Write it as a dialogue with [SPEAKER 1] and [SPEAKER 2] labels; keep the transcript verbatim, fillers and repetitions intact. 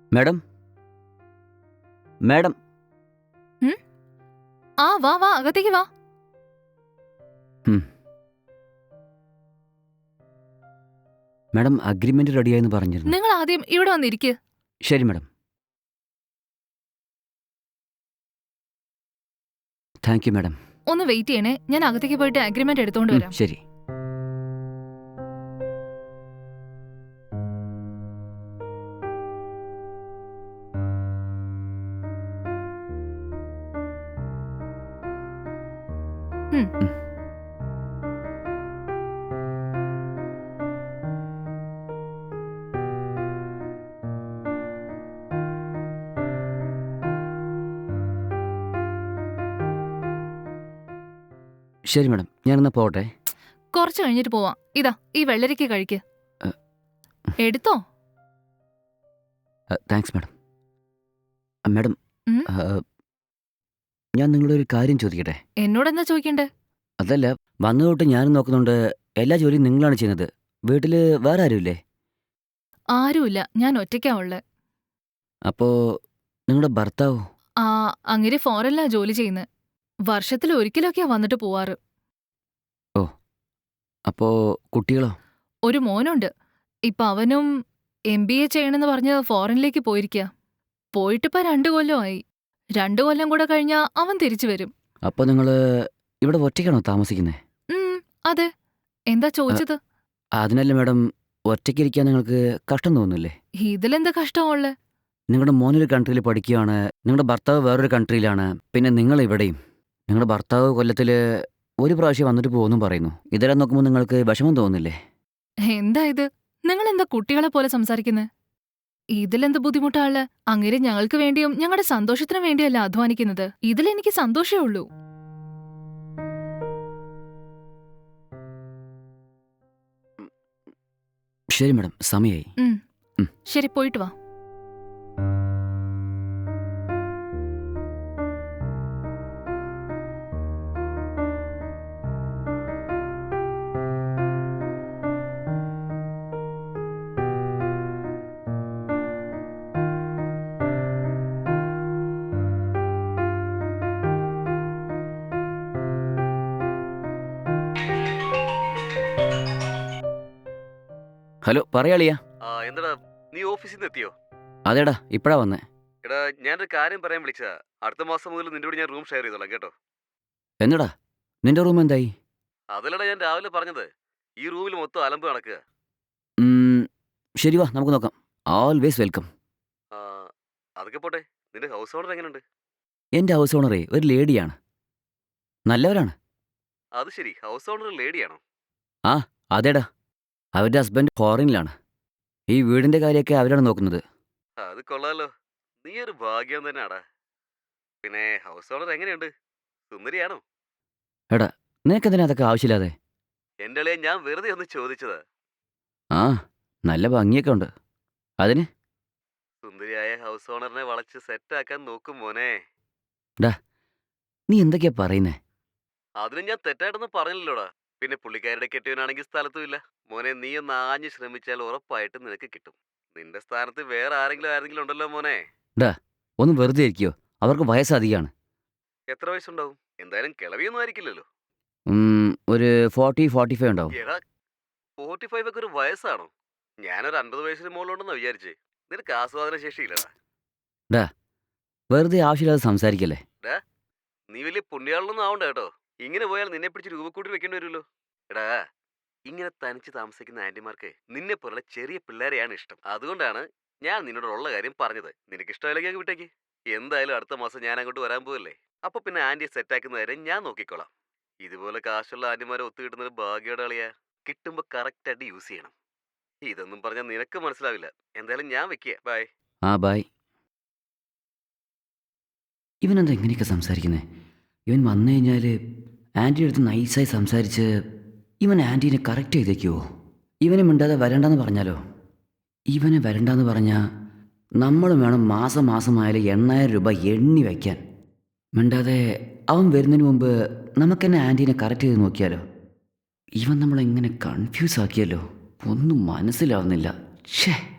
[SPEAKER 1] Madam madam
[SPEAKER 2] ഉം? ആ വാ വാ അകത്തേക്ക് വാ.
[SPEAKER 1] ഉം. മാഡം അഗ്രിമെന്റ് റെഡിയായെന്ന് പറഞ്ഞിരുന്നു.
[SPEAKER 2] നിങ്ങൾ ആദ്യം ഇവിടെ വന്നിരിക്ക്.
[SPEAKER 1] ശരി മാഡം. Thank you madam.
[SPEAKER 2] ഒന്ന് വെയിറ്റ് ചെയ്യണേ, ഞാൻ അകത്തേക്ക് പോയിട്ട് അഗ്രിമെന്റ് എടുത്തോണ്ട്
[SPEAKER 1] ഉം,
[SPEAKER 2] വരാം.
[SPEAKER 1] ശരി.
[SPEAKER 2] ഉം.
[SPEAKER 1] ഉം. ശരി മാഡം, ഞാനെന്നാ പോട്ടെ.
[SPEAKER 2] കുറച്ച് കഴിഞ്ഞിട്ട് പോവാം. ഇതാ ഈ വെള്ളരിക്ക കഴിക്ക്.
[SPEAKER 1] അ.
[SPEAKER 2] എടുത്തോ.
[SPEAKER 1] Thanks madam. മാഡം,
[SPEAKER 2] ഉം?
[SPEAKER 1] ആ, ഞാൻ നിങ്ങളോട് ഒരു കാര്യം ചോദിക്കട്ടെ?
[SPEAKER 2] എന്നോടെന്താ ചോദിക്കണ്ടേ?
[SPEAKER 1] അതല്ല, വന്നു തൊട്ട് ഞാനും നോക്കുന്നുണ്ട്, എല്ലാ ജോലിയും നിങ്ങളാണ് ചെയ്യുന്നത്. വീട്ടിൽ വേറെ ആരുമില്ലേ?
[SPEAKER 2] ആരുമില്ല, ഞാൻ ഒറ്റയ്ക്കാ ഉള്ളെ.
[SPEAKER 1] അപ്പോ നിങ്ങളുടെ ഭർത്താവോ?
[SPEAKER 2] ആ അങ്ങനെ ഫോറിനിലാ ജോലി ചെയ്യുന്നത്. വർഷത്തിൽ ഒരിക്കലൊക്കെയാ വന്നിട്ട് പോവാറ്.
[SPEAKER 1] ഓ, അപ്പോ കുട്ടികളോ?
[SPEAKER 2] ഒരു മോനുണ്ട്. ഇപ്പൊ അവനും എം ബി എ ചെയ്യണമെന്ന് പറഞ്ഞ് ഫോറിനിലേക്ക് പോയിരിക്കുക. പോയിട്ടിപ്പോ രണ്ടു കൊല്ലമായി. രണ്ടു കൊല്ലം കൂടെ കഴിഞ്ഞാ അവൻ തിരിച്ചു വരും.
[SPEAKER 1] അപ്പോൾ നിങ്ങൾ ഇവിടെ ഒറ്റയ്ക്കാണോ താമസിക്കുന്നത്?
[SPEAKER 2] ഉം, അതെ. എന്താ ചോദിച്ചത്?
[SPEAKER 1] അതിനല്ല മാഡം, ഒറ്റയ്ക്കിരിക്കാൻ നിങ്ങൾക്ക് കഷ്ടം തോന്നുന്നില്ലേ?
[SPEAKER 2] ഇതിലെന്താ കഷ്ടമുള്ളേ?
[SPEAKER 1] നിങ്ങളുടെ മോനൊരു കൺട്രിയിൽ പഠിക്കുകയാണ്, നിങ്ങളുടെ ഭർത്താവ് വേറൊരു കൺട്രിയിലാണ്, പിന്നെ നിങ്ങൾ ഇവിടെയും. നിങ്ങളുടെ ഭർത്താവ് കൊല്ലത്തിൽ ഒരു പ്രാവശ്യം വന്നിട്ട് പോകുമെന്നും പറയുന്നു. ഇതെല്ലാം നോക്കുമ്പോൾ നിങ്ങൾക്ക് വിഷമം തോന്നുന്നില്ലേ?
[SPEAKER 2] എന്താ ഇത്? നിങ്ങൾ എന്താ കുട്ടികളെ പോലെ സംസാരിക്കുന്നത്? ഇതിലെന്ത് ബുദ്ധിമുട്ടാള്? അങ്ങനെ ഞങ്ങൾക്ക് വേണ്ടിയും ഞങ്ങളുടെ സന്തോഷത്തിനു വേണ്ടിയല്ല അധ്വാനിക്കുന്നത്. ഇതിലെനിക്ക് സന്തോഷമേ ഉള്ളൂ.
[SPEAKER 1] ശരി മാഡം, സമയമായി.
[SPEAKER 2] ഉം.
[SPEAKER 1] ഉം.
[SPEAKER 2] ശരി, പോയിട്ട് വാ.
[SPEAKER 1] ഹലോ, പറയാളിയാ.
[SPEAKER 3] ആ എന്താടാ, നീ ഓഫീസിൽ നിന്ന് എത്തിയോ?
[SPEAKER 1] അതേടാ, ഇപ്പഴാ വന്നേ.
[SPEAKER 3] എടാ, ഞാനൊരു കാര്യം പറയാൻ വിളിച്ചതാ. അടുത്ത മാസം മുതൽ നിന്റെ കൂടെ ഞാൻ റൂം ഷെയർ ചെയ്തോളാം കേട്ടോ.
[SPEAKER 1] എന്നടാ, നിന്റെ റൂം എന്തായി?
[SPEAKER 3] അതിലടാ ഞാൻ രാവിലെ പറഞ്ഞത്. ഈ റൂമിൽ മൊത്തം അലമ്പ് നടക്കുക.
[SPEAKER 1] ഉം, ശരി, വാ നമുക്ക് നോക്കാം. Always welcome.
[SPEAKER 3] ആ, അതൊക്കെ പോട്ടെ, നിന്റെ ഹൗസ് ഓണർ എങ്ങനെയുണ്ട്?
[SPEAKER 1] എൻ്റെ ഹൗസ് ഓണറേ ഒരു ലേഡിയാണ്, നല്ലവരാണ്.
[SPEAKER 3] അത് ശരി, ഹൗസ് ഓണർ ലേഡിയാണോ?
[SPEAKER 1] ആ, അതേടാ, അവരുടെ ഹസ്ബൻഡ് ഫോറിനിലാണ്. ഈ വീടിൻ്റെ കാര്യമൊക്കെ അവരാണ് നോക്കുന്നത്.
[SPEAKER 3] അത് കൊള്ളാലോ, നീ ഒരു ഭാഗ്യം തന്നെയാടാ. പിന്നെ ഹൗസ് ഓണർ എങ്ങനെയുണ്ട്? സുന്ദരിയാണോ?
[SPEAKER 1] എടാ, നിനക്കെന്തിനാ അതൊക്കെ ആവശ്യമില്ലാതെ?
[SPEAKER 3] എൻ്റെ അളിയെ ഞാൻ വെറുതെ ഒന്ന് ചോദിച്ചതാ.
[SPEAKER 1] ആ, നല്ല ഭംഗിയൊക്കെ ഉണ്ട്. അതിന്
[SPEAKER 3] സുന്ദരിയായ ഹൗസ് ഓണറിനെ വളച്ച് സെറ്റാക്കാൻ നോക്കും മോനെ.
[SPEAKER 1] ഡാ, നീ എന്തൊക്കെയാ പറയുന്നേ?
[SPEAKER 3] അതിന് ഞാൻ തെറ്റായിട്ടൊന്നും പറഞ്ഞില്ലല്ലോടാ. പിന്നെ പുള്ളിക്കാരുടെ കെട്ടിയവനാണെങ്കിൽ സ്ഥലത്തും ഇല്ല. മോനെ, നീ ഒന്ന് ആഞ്ഞു ശ്രമിച്ചാൽ ഉറപ്പായിട്ടും നിനക്ക് കിട്ടും. നിന്റെ സ്ഥാനത്ത് വേറെ ആരെങ്കിലും ആരെങ്കിലും ഉണ്ടല്ലോ മോനെ.
[SPEAKER 1] ഡാ, ഒന്ന് വെറുതെ ഇരിക്കോ? അവർക്ക് വയസ്സ് അധികമാണ്.
[SPEAKER 3] എത്ര വയസ്സുണ്ടാവും? എന്തായാലും കിളവിയൊന്നും ആയിരിക്കില്ലല്ലോ.
[SPEAKER 1] ഉം, ഒരു ഫോർട്ടി ഫോർട്ടി ഫൈവ് ഉണ്ടാവും.
[SPEAKER 3] എടാ, ഫോർട്ടി ഫൈവ് ഒക്കെ ഒരു വയസ്സാണോ? ഞാനൊരു അൻപത് വയസ്സിന് മുകളിലുണ്ടെന്നാ വിചാരിച്ചേ. നിനക്ക് ആസ്വാദന ശേഷിയില്ലടാ.
[SPEAKER 1] ഡാ, വെറുതെ ആവശ്യമില്ലാതെ സംസാരിക്കല്ലേ.
[SPEAKER 3] ഡാ, നീ വലിയ പുണ്യാളൊന്നും ആവണ്ട കേട്ടോ. ഇങ്ങനെ പോയാൽ നിന്നെ പിടിച്ച് രൂപക്കൂട്ടി വെക്കേണ്ടി വരുമല്ലോ. എടാ, ഇങ്ങനെ തനിച്ച് താമസിക്കുന്ന ആന്റിമാർക്ക് നിന്നെ പോലുള്ള ചെറിയ പിള്ളേരെയാണ് ഇഷ്ടം. അതുകൊണ്ടാണ് ഞാൻ നിന്നോടുള്ള കാര്യം പറഞ്ഞത്. നിനക്ക് ഇഷ്ടമല്ലെങ്കിൽ അങ്ങ് വിട്ടേക്ക്. എന്തായാലും അടുത്ത മാസം ഞാൻ അങ്ങോട്ട് വരാൻ പോവല്ലേ. അപ്പൊ പിന്നെ ആന്റിയെ സെറ്റാക്കുന്ന കാര്യം ഞാൻ നോക്കിക്കോളാം. ഇതുപോലെ കാശുള്ള ആന്റിമാരെ ഒത്തു കിട്ടുന്നൊരു ഭാഗ്യയുടെ കളിയാ. കിട്ടുമ്പോ കറക്റ്റ് ആയിട്ട് യൂസ് ചെയ്യണം. ഇതൊന്നും പറഞ്ഞാൽ നിനക്ക് മനസ്സിലാവില്ല. എന്തായാലും ഞാൻ വെക്കുക. ബൈ.
[SPEAKER 1] ആ, ബായ്. ഇവനെന്താ ഇങ്ങനെയൊക്കെ സംസാരിക്കുന്നത്? ഇവൻ വന്നു കഴിഞ്ഞാൽ ആൻറ്റിയുടെ അടുത്ത് നൈസായി സംസാരിച്ച് ഇവൻ ആൻറ്റീനെ കറക്റ്റ് ചെയ്തേക്കുമോ? ഇവനെ മിണ്ടാതെ വരണ്ടെന്ന് പറഞ്ഞാലോ? ഇവനെ വരണ്ടെന്ന് പറഞ്ഞാൽ നമ്മളും വേണം മാസം മാസമായാലും എണ്ണായിരം രൂപ എണ്ണി വയ്ക്കാൻ. മിണ്ടാതെ അവൻ വരുന്നതിന് മുമ്പ് നമുക്ക് തന്നെ ആൻറ്റീനെ കറക്റ്റ് ചെയ്ത് നോക്കിയാലോ? ഇവൻ നമ്മളെങ്ങനെ കൺഫ്യൂസ് ആക്കിയല്ലോ, ഒന്നും മനസ്സിലാവുന്നില്ല. ഛേ.